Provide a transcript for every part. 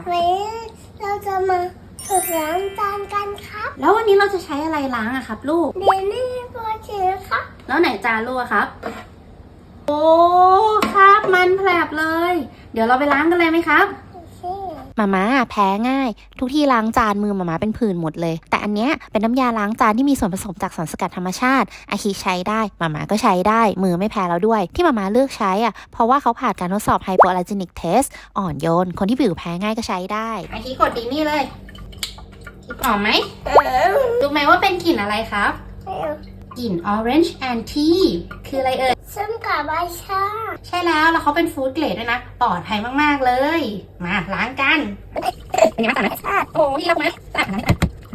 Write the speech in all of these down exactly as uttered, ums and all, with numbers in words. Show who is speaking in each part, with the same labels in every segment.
Speaker 1: วันนี้เราจะมาฝึกล้างจานกันครับ
Speaker 2: แล้ววันนี้เราจะใช้อะไรล้างอะครับลูก
Speaker 1: เดนนี่โปรเจกต์ครับ
Speaker 2: แล้วไหนจานลูกอะครับ โอ้ครับมันแผลบเลย เดี๋ยวเราไปล้างกันเลยไหมครับ
Speaker 3: มาม่าแพ้ง่าย ทุกที่ล้างจานมือมาม่าเป็นผื่นหมดเลย แต่อันเนี้ยเป็นน้ำยาล้างจานที่มีส่วนผสมจากสารสกัดธรรมชาติอาคิใช้ได้มาม่าก็ใช้ได้ มือไม่แพ้แล้วด้วย ที่มาม่าเลือกใช้อ่ะเพราะว่าเขาผ่านการทดสอบไฮโปอ l ล r จินิกเทสอ่อนโยน คนที่ผิวแพ้ง่ายก็ใช้ได้
Speaker 2: อาคิกดดีนี่เลยหอมไหมรู้ไหมว่าเป็นกลิ่นอะไรครับ กลิ่น orange and tea คืออะไรเอ่ย
Speaker 1: ซึ่งกับใบชา
Speaker 2: ใช่แล้ว แล้วเขาเป็นฟู้ดเกรดด้วยนะ ปลอดภัยมากๆเลย มาล้างกันเป็นยังไงบ้างสะอาดไหมโอ้ยรักไหมสะอาดนะ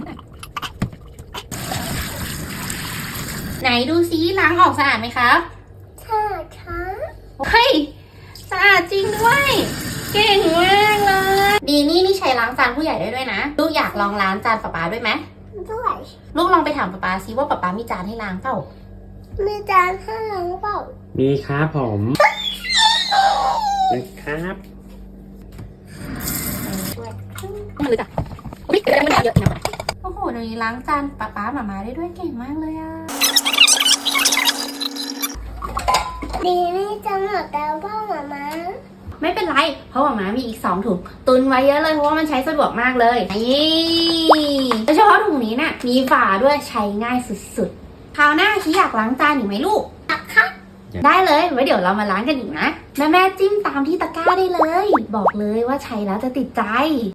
Speaker 2: ไหนดูซิล้างออกสะอาดไหมครับ
Speaker 1: ชาช้า
Speaker 2: เฮ้ยสะอาดจริงด้วย เก่งมากเลย ดีนี่นี่ใช้ล้างจานผู้ใหญ่ได้ด้วยนะ ลูกอยากลองล้างจานป๊าป๊าด้วยไหม
Speaker 1: ด้วย
Speaker 2: ลูกลองไปถามป๊าป๊าซิว่าป๊าป๊ามีจานให้ล้างเปล่า
Speaker 1: มีจานให้ล้างเปล่า
Speaker 4: มีครับผมนะครับ
Speaker 2: มันลึกอ่ะอุ้ยเดี๋ยวมันเยอะนะโอ้โหเดี๋ยวนี้ล้างจานป๊าป๊าหมามาได้ด้วยเก่งมากเลยอ่ะ
Speaker 1: ดีนี่จะหมดแล้วพ่อหมามา
Speaker 2: ไม่เป็นไร เพราะหมามามีอีกสองถุงตุนไว้เยอะเลยเพราะว่ามันใช้สะดวกมากเลยนี่โดยเฉพาะถุงนี้น่ะมีฝาด้วยใช้ง่ายสุดๆคราวหน้าคิดอยากล้างจานอีกไหมลูก
Speaker 1: ตักครับ
Speaker 2: ได้เลยไว้เดี๋ยวเรามาล้างกันอีกนะแม่แม่จิ้มตามที่ตะกร้าได้เลย บอกเลยว่าใช้แล้วจะติดใจ